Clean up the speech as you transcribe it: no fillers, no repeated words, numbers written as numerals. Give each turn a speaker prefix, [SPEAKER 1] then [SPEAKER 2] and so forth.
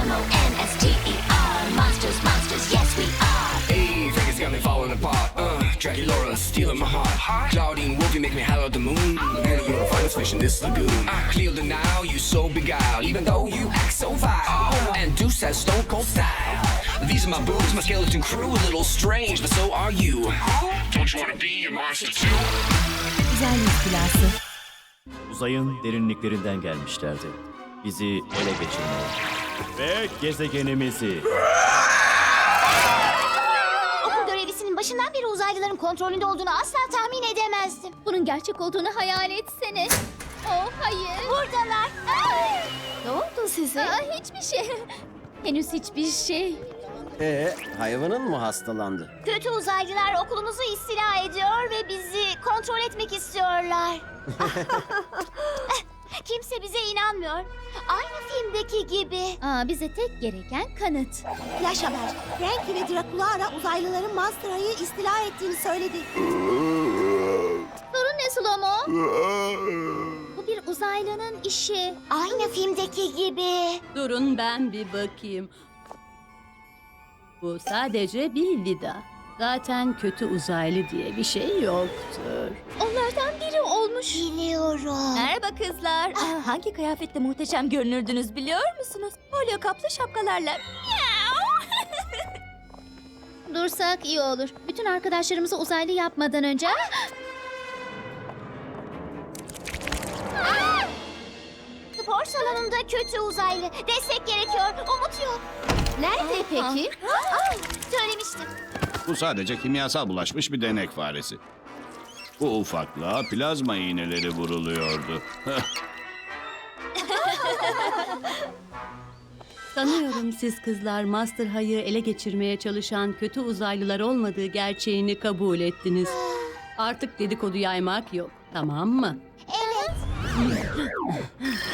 [SPEAKER 1] M-O-N-S-T-E-R. Monsters, monsters, yes we are.
[SPEAKER 2] Hey, Vegas got me falling apart. Draculaura stealing my heart. Claudine Wolfie make me holler at the moon. And you're a finest fish in this lagoon. Cleo the Nile, you so beguiled, even though you act so vile. And Deuce has stone cold style. These are my boobs, my skeleton crew, a little strange, but so are you. Don't you wanna be a monster too?
[SPEAKER 3] Uzay istilası.
[SPEAKER 4] Uzayın derinliklerinden gelmişlerdi. Bizi ele geçirmeye. Ve gezegenimizi.
[SPEAKER 1] Okul görevlisinin başından beri uzaylıların kontrolünde olduğunu asla tahmin edemezdim.
[SPEAKER 5] Bunun gerçek olduğunu hayal etsene. Oh hayır.
[SPEAKER 1] Buradalar.
[SPEAKER 5] Ne oldu size? Hiçbir şey. Henüz hiçbir şey.
[SPEAKER 6] Hayvanın mı hastalandı?
[SPEAKER 1] Kötü uzaylılar okulumuzu istila ediyor ve bizi kontrol etmek istiyorlar. Kimse bize inanmıyor. Aynı filmdeki gibi.
[SPEAKER 5] Bize tek gereken kanıt.
[SPEAKER 7] Flash haber. Frankie ve Draculaura uzaylıların Monster'ı istila ettiğini söyledi.
[SPEAKER 5] Sorun ne Slomo? Bu bir uzaylının işi.
[SPEAKER 1] Aynı filmdeki gibi.
[SPEAKER 3] Durun ben bir bakayım. Bu sadece bir Lida. Zaten kötü uzaylı diye bir şey yoktur.
[SPEAKER 5] Onlardan biri olmuş.
[SPEAKER 1] Biliyorum.
[SPEAKER 8] Merhaba kızlar. Hangi kıyafetle muhteşem görünürdünüz biliyor musunuz? Folyo kaplı şapkalarla.
[SPEAKER 5] Dursak iyi olur. Bütün arkadaşlarımızı uzaylı yapmadan önce.
[SPEAKER 1] Spor salonunda kötü uzaylı. Destek gerekiyor. Umut yok.
[SPEAKER 5] Nerede peki?
[SPEAKER 1] Söylemiştim.
[SPEAKER 9] Bu sadece kimyasal bulaşmış bir denek faresi. Bu ufaklığa plazma iğneleri vuruluyordu.
[SPEAKER 3] Sanıyorum siz kızlar Master High'ı ele geçirmeye çalışan kötü uzaylılar olmadığı gerçeğini kabul ettiniz. Artık dedikodu yaymak yok, tamam mı?
[SPEAKER 1] Evet.